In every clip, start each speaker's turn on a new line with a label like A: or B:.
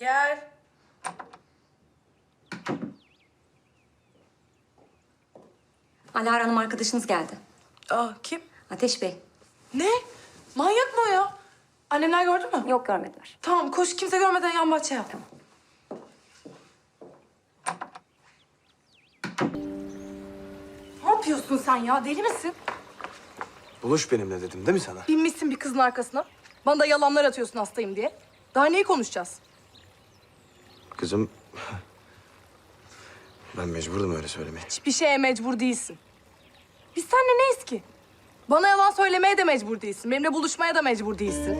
A: Gel.
B: Alara Hanım arkadaşınız geldi.
A: Aa, kim?
B: Ateş Bey.
A: Ne? Manyak mı o ya? Annemler gördü mü?
B: Yok, görmediler.
A: Tamam, koş kimse görmeden yan bahçe yap.
B: Tamam.
A: Ne yapıyorsun sen ya? Deli misin?
C: Buluş benimle dedim değil mi sana?
A: Binmişsin bir kızın arkasına. Bana da yalanlar atıyorsun hastayım diye. Daha neyi konuşacağız?
C: Kızım... Ben mecburdum öyle söylemeye.
A: Hiçbir şeye mecbur değilsin. Biz seninle neyiz ki? Bana yalan söylemeye de mecbur değilsin. Benimle buluşmaya da mecbur değilsin.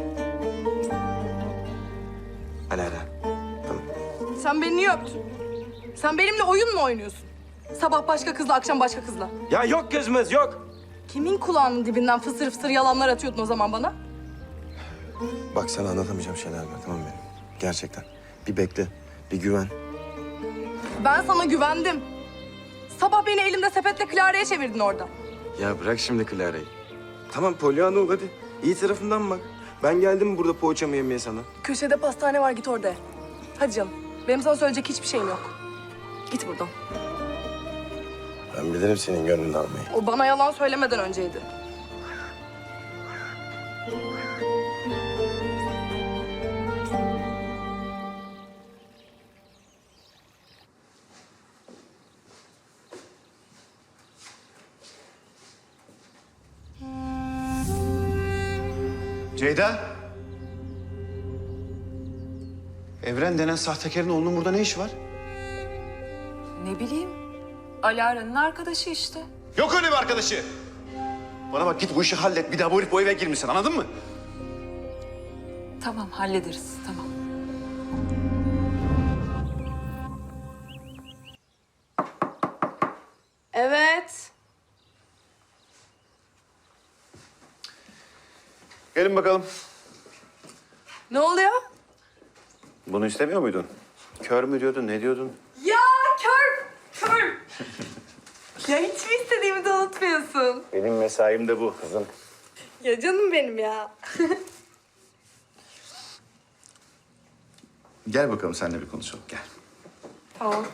C: Alara. Tamam.
A: Sen beni niye öptün? Sen benimle oyun mu oynuyorsun? Sabah başka kızla, akşam başka kızla.
C: Ya yok kızımız yok.
A: Kimin kulağının dibinden fısır fısır yalanlar atıyordun o zaman bana?
C: Bak sana anlatamayacağım şeyler var tamam mı benim? Gerçekten. Bir bekle. Bir güven.
A: Ben sana güvendim. Sabah beni elimde sepetle Clara'ya çevirdin orada.
C: Ya bırak şimdi Clara'yı. Tamam Pollyanna ol hadi. İyi tarafından bak. Ben geldim burada poğaçamı yemeye sana.
A: Köşede pastane var, git orada ye. Hadi canım. Benim sana söyleyecek hiçbir şeyim yok. Git buradan.
C: Ben bilirim senin gönlünü almayı.
A: O bana yalan söylemeden önceydi.
D: Ceyda. Evren denen sahtekarın oğlunun burada ne işi var?
E: Ne bileyim. Alara'nın arkadaşı işte.
D: Yok öyle bir arkadaşı. Bana bak git bu işi hallet. Bir daha bu herif bu eve girmesin anladın mı?
E: Tamam hallederiz tamam.
A: Evet.
D: Gelin bakalım.
A: Ne oluyor?
D: Bunu istemiyor muydun? Kör mü diyordun, ne diyordun?
A: Ya kör, kör. Ya hiç mi istediğimi de unutmuyorsun?
D: Benim mesaim de bu kızım.
A: Ya canım benim ya.
D: Gel bakalım seninle bir konuşalım, gel.
A: Tamam.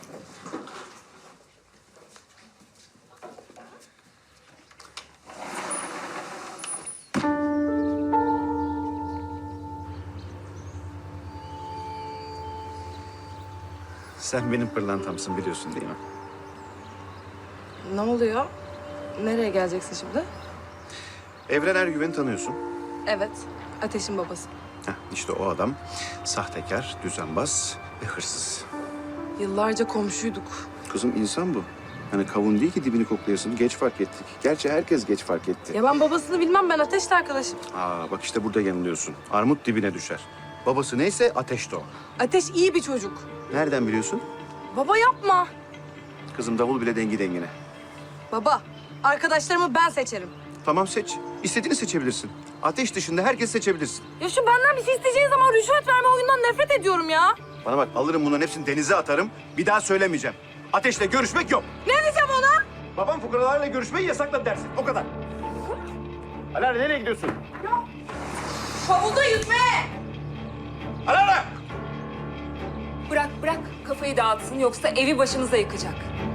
D: Sen benim pırlantamsın biliyorsun değil mi?
A: Ne oluyor? Nereye geleceksin şimdi?
D: Evren Ergüven'i tanıyorsun.
A: Evet, Ateş'in babası.
D: Heh, işte o adam sahtekar, düzenbaz ve hırsız.
A: Yıllarca komşuyduk.
D: Kızım insan bu. Hani kavun değil ki dibini koklayasın. Geç fark ettik. Gerçi herkes geç fark etti.
A: Ya ben babasını bilmem, ben Ateş'le arkadaşım.
D: Bak işte burada yanılıyorsun. Armut dibine düşer. Babası neyse ateş de o.
A: Ateş iyi bir çocuk.
D: Nereden biliyorsun?
A: Baba yapma.
D: Kızım davul bile dengi dengine.
A: Baba, arkadaşlarımı ben seçerim.
D: Tamam seç. İstediğini seçebilirsin. Ateş dışında herkes seçebilirsin.
A: Ya şu benden bir şey isteyeceğin zaman rüşvet verme oyundan nefret ediyorum ya.
D: Bana bak alırım bunların hepsini denize atarım. Bir daha söylemeyeceğim. Ateşle görüşmek yok.
A: Ne diyeceğim ona?
D: Babam fukaralarla görüşmeyi yasakladı dersin. O kadar. Alara nereye gidiyorsun?
A: Havuzda yüzme.
D: Alara!
E: Bırak bırak kafayı dağıtsın yoksa evi başımıza yıkacak.